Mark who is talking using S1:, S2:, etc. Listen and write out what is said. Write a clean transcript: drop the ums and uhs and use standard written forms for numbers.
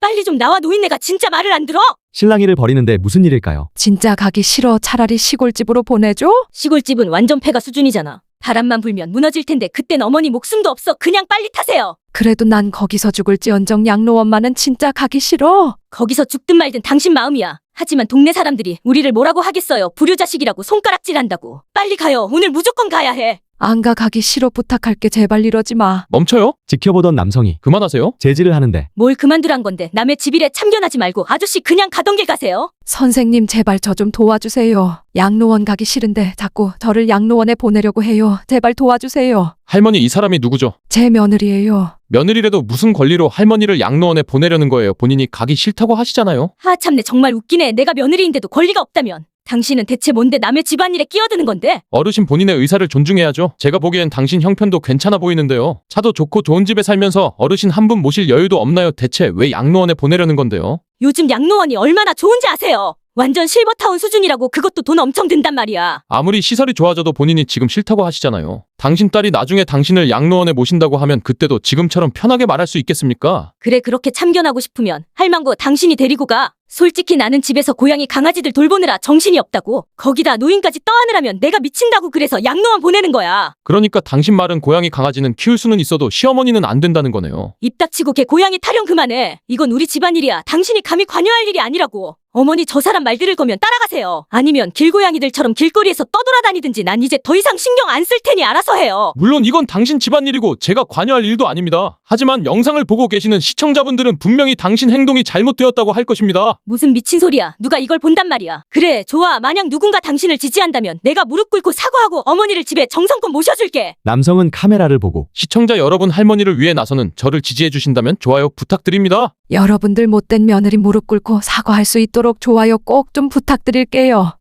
S1: 빨리 좀 나와. 노인네가 진짜 말을 안 들어.
S2: 실랑이를 벌이는데 무슨 일일까요?
S3: 진짜 가기 싫어. 차라리 시골집으로 보내줘?
S1: 시골집은 완전 폐가 수준이잖아. 바람만 불면 무너질 텐데 그땐 어머니 목숨도 없어. 그냥 빨리 타세요.
S3: 그래도 난 거기서 죽을지언정 양로원만은 진짜 가기 싫어.
S1: 거기서 죽든 말든 당신 마음이야. 하지만 동네 사람들이 우리를 뭐라고 하겠어요. 불효자식이라고 손가락질한다고. 빨리 가요. 오늘 무조건 가야 해.
S3: 안 가기 싫어. 부탁할게. 제발 이러지 마.
S4: 멈춰요?
S2: 지켜보던 남성이
S4: 그만하세요.
S2: 제지를 하는데
S1: 뭘 그만두란 건데. 남의 집 일에 참견하지 말고 아저씨 그냥 가던 길 가세요.
S3: 선생님 제발 저 좀 도와주세요. 양로원 가기 싫은데 자꾸 저를 양로원에 보내려고 해요. 제발 도와주세요.
S4: 할머니, 이 사람이 누구죠?
S3: 제 며느리예요.
S4: 며느리라도 무슨 권리로 할머니를 양로원에 보내려는 거예요? 본인이 가기 싫다고 하시잖아요.
S1: 하 참내 정말 웃기네. 내가 며느리인데도 권리가 없다면. 당신은 대체 뭔데 남의 집안일에 끼어드는 건데?
S4: 어르신 본인의 의사를 존중해야죠. 제가 보기엔 당신 형편도 괜찮아 보이는데요. 차도 좋고 좋은 집에 살면서 어르신 한 분 모실 여유도 없나요? 대체 왜 양로원에 보내려는 건데요?
S1: 요즘 양로원이 얼마나 좋은지 아세요? 완전 실버타운 수준이라고. 그것도 돈 엄청 든단 말이야.
S4: 아무리 시설이 좋아져도 본인이 지금 싫다고 하시잖아요. 당신 딸이 나중에 당신을 양로원에 모신다고 하면 그때도 지금처럼 편하게 말할 수 있겠습니까?
S1: 그래 그렇게 참견하고 싶으면 할망구 당신이 데리고 가. 솔직히 나는 집에서 고양이 강아지들 돌보느라 정신이 없다고. 거기다 노인까지 떠안으라면 내가 미친다고. 그래서 양로원 보내는 거야.
S4: 그러니까 당신 말은 고양이 강아지는 키울 수는 있어도 시어머니는 안 된다는 거네요.
S1: 입 닥치고 걔 고양이 타령 그만해. 이건 우리 집안일이야. 당신이 감히 관여할 일이 아니라고. 어머니 저 사람 말 들을 거면 따라가세요. 아니면 길고양이들처럼 길거리에서 떠돌아다니든지. 난 이제 더 이상 신경 안 쓸 테니 알아서 해요.
S4: 물론 이건 당신 집안일이고 제가 관여할 일도 아닙니다. 하지만 영상을 보고 계시는 시청자분들은 분명히 당신 행동이 잘못되었다고 할 것입니다.
S1: 무슨 미친 소리야. 누가 이걸 본단 말이야. 그래 좋아. 만약 누군가 당신을 지지한다면 내가 무릎 꿇고 사과하고 어머니를 집에 정성껏 모셔줄게.
S2: 남성은 카메라를 보고
S4: 시청자 여러분, 할머니를 위해 나서는 저를 지지해 주신다면 좋아요 부탁드립니다.
S3: 여러분들 못된 며느리 무릎 꿇고 사과할 수 있도록 좋아요 꼭 좀 부탁드릴게요.